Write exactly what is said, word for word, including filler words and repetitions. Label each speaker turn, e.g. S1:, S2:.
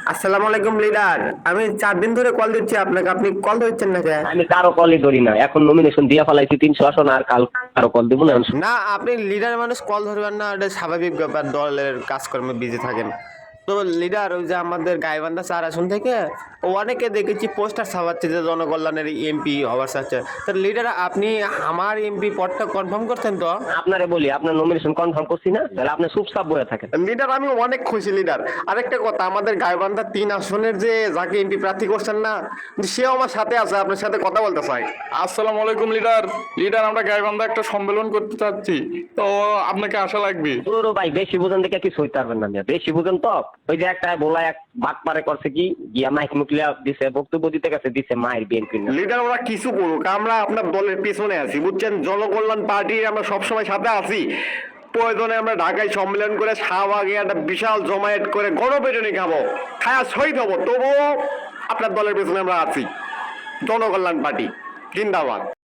S1: আসসালামু আলাইকুম লিডার। আমি চার দিন ধরে কল দিচ্ছি আপনাকে, আপনি কল ধরছেন না কেন?
S2: আমি কারো কলই ধরি না, এখন নমিনেশন দিয়া ফেলাইছি তিনশো আসন, আর কাল কারো কল দিব না।
S1: না, আপনি লিডার মানুষ, কল ধরবেন না, এটা স্বাভাবিক ব্যাপার, দলের কাজকর্মে বিজি থাকেন। তো লিডার, ওই যে আমাদের গাইবান্ধা চার আসন থেকে ও অনেকে দেখেছি পোস্টার ছাপাচ্ছে যে জনকল্যাণের এমপি হওয়ার চাচ্ছে। তো লিডার, আপনি আমার এমপি পদটা কনফার্ম করছেন তো?
S2: আপনারে বলি, আপনার নমিনেশন কনফার্ম করছি না, তাহলে আপনি চুপচাপ বয়ে থাকেন।
S1: লিডার, আমি অনেক খুশি লিডার। আরেকটা কথা, আমাদের গাইবান্ধা তিন আসনের যে যাকে এমপি প্রার্থী করছেন না, সেও আমার সাথে আছে, আপনার সাথে কথা বলতে চাই।
S3: আসসালামু আলাইকুম লিডার। লিডার, আমরা গাইবান্ধা একটা সম্মেলন করতে চাচ্ছি, তো আপনাকে আসা লাগবে।
S2: পুরো ভাই বেশি বুঝেন দেখে কিছু হইতে পারবেন না, বেশি বুঝেন তো। ওই যে একটা বলা এক বাট পারে করছে কি গিয়া মাইক মুকলিয়া দিছে, বক্তব্য দিতে গেছে, দিছে মায়ের বিএনপি।
S1: লিডার, ওরা কিছু করুক, আমরা আপনার দলের পেছনে আছি, বুঝছেন? জনকল্যাণ পার্টির আমরা সবসময় সাথে আছি। প্রয়োজনে আমরা ঢাকায় সম্মেলন করে শাহবাগে একটা বিশাল জমায়েত করে গণপিটুনি খাবো, খায়া শহীদ হবো, তবুও আপনার দলের পেছনে আমরা আছি। জনকল্যাণ পার্টি জিন্দাবাদ।